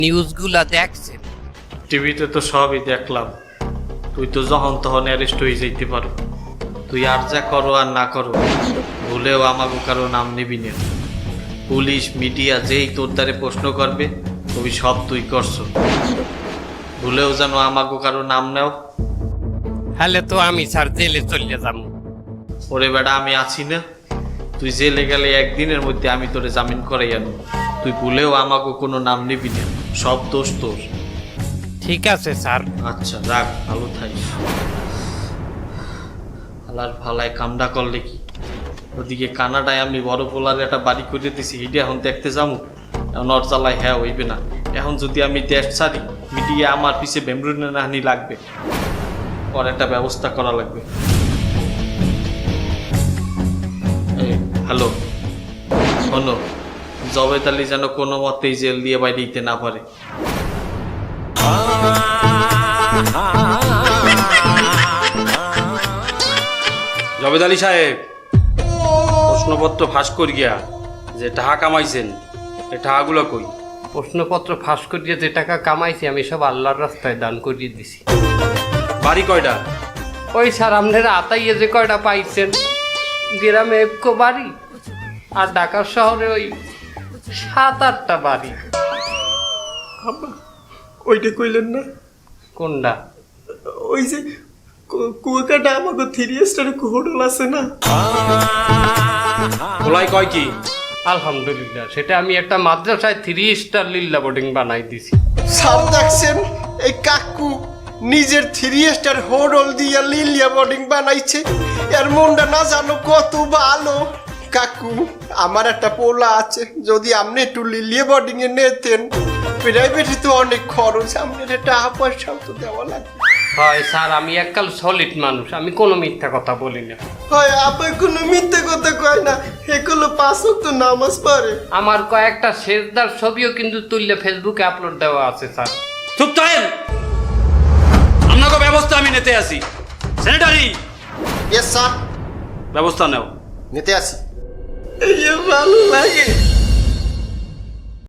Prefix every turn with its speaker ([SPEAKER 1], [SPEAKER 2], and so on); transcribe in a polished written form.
[SPEAKER 1] নিউজগুলা দেখছেন?
[SPEAKER 2] টিভিতে তো সবই দেখলাম। তুই তো যখন তখন অ্যারেস্ট হয়ে যাইতে পারো। তুই আর যা করো আর না করো, ভুলেও আমাকে কারো নাম নিবি না। পুলিশ মিডিয়া যেই তোর দ্বারে প্রশ্ন করবে তুই সব তুই করছো। ভুলেও যেন আমাকে কারো নাম নেও।
[SPEAKER 1] হলে তো আমি স্যার জেলে চলে যাবো।
[SPEAKER 2] ওরে বেটা, আমি আছি না? তুই জেলে গেলে একদিনের মধ্যে আমি তোরে জামিন করাই আনো। তুই ভুলেও আমাকে কোনো নাম নিবি না, সব দোষ তোর।
[SPEAKER 1] ঠিক আছে স্যার।
[SPEAKER 2] আচ্ছা রাখ, ভালো থাইস। আলার ভালায় কামডা করলে কি? ওদিকে কানাডায় আমি বড় পোলার একটা বাড়ি করে দিছি, হিডে এখন দেখতে যাবো। এখন ওর জ্বালায় হ্যাঁ হইবে না। এখন যদি আমি দেশ ছাড়ি, মিডিয়া আমার পিছে বেমরুনে নাহানি লাগবে। ওর একটা ব্যবস্থা করা লাগবে। হ্যালো, শোনো, জবেদ আলী যেন কোনো মতেই জেল দিয়ে বাইরে দিতে না পারে।
[SPEAKER 3] জবেদ আলী সাহেব, প্রশ্নপত্র ফাঁস করি গিয়া যে টাকা কামাইছেন, এই টাকাগুলো কই?
[SPEAKER 1] প্রশ্নপত্র ফাঁস করিয়ে যে টাকা কামাইছি আমি সব আল্লাহর রাস্তায় দান করিয়ে দিছি।
[SPEAKER 3] বাড়ি কয়টা?
[SPEAKER 1] ওই স্যার আপনারা আতাইয়ে যে কয়টা পাইছেন, গ্রামে একো বাড়ি, আর ঢাকা শহরে ওই 7-8টা বাড়ি।
[SPEAKER 2] ওইটা কইলেন না?
[SPEAKER 1] কোনটা?
[SPEAKER 2] ওই যে কুয়াকাটা আমাকে 3 স্টার হোটেল আছে না?
[SPEAKER 3] খোলাই কয় কি?
[SPEAKER 1] আলহামদুলিল্লাহ, সেটা আমি একটা মাদ্রাসায় 3 স্টার লিল্লা বোর্ডিং বানাই দিছি।
[SPEAKER 4] সব দেখছেন, এই কাকু নিজের 3 স্টার হোটেল দিয়া লিলিয়া বোর্ডিং বানাইছে। এর মনটা না জানো কত ভালো। কাকু, আমার একটা পোলা আছে, যদি আপনি একটু লিলিয়া বোর্ডিং এ নিতেন। প্রাইভেটে তো অনেক খরচ, আপনার টাকা পয়সাও তো দেওয়া লাগবে।
[SPEAKER 1] হয় স্যার, আমি এককাল সলিড মানুষ, আমি কোনো মিথ্যা কথা বলি না।
[SPEAKER 4] হয় আপনার কোনো মিথ্যে কথা কয় না, এগুলো 5 ওয়াক্ত নামাজ পড়ে।
[SPEAKER 1] আমার কয়েকটা শেষদার ছবিও কিন্তু তুললে ফেসবুকে আপলোড দেওয়া আছে স্যার।
[SPEAKER 3] চুপ থাকেন, আপনাকে ব্যবস্থা আমি নিতে আসি। সেক্রেটারি,
[SPEAKER 4] ইয়েস স্যার,
[SPEAKER 3] ব্যবস্থা নেও।
[SPEAKER 4] নিতে আসি।
[SPEAKER 2] এই ভালো লাগে।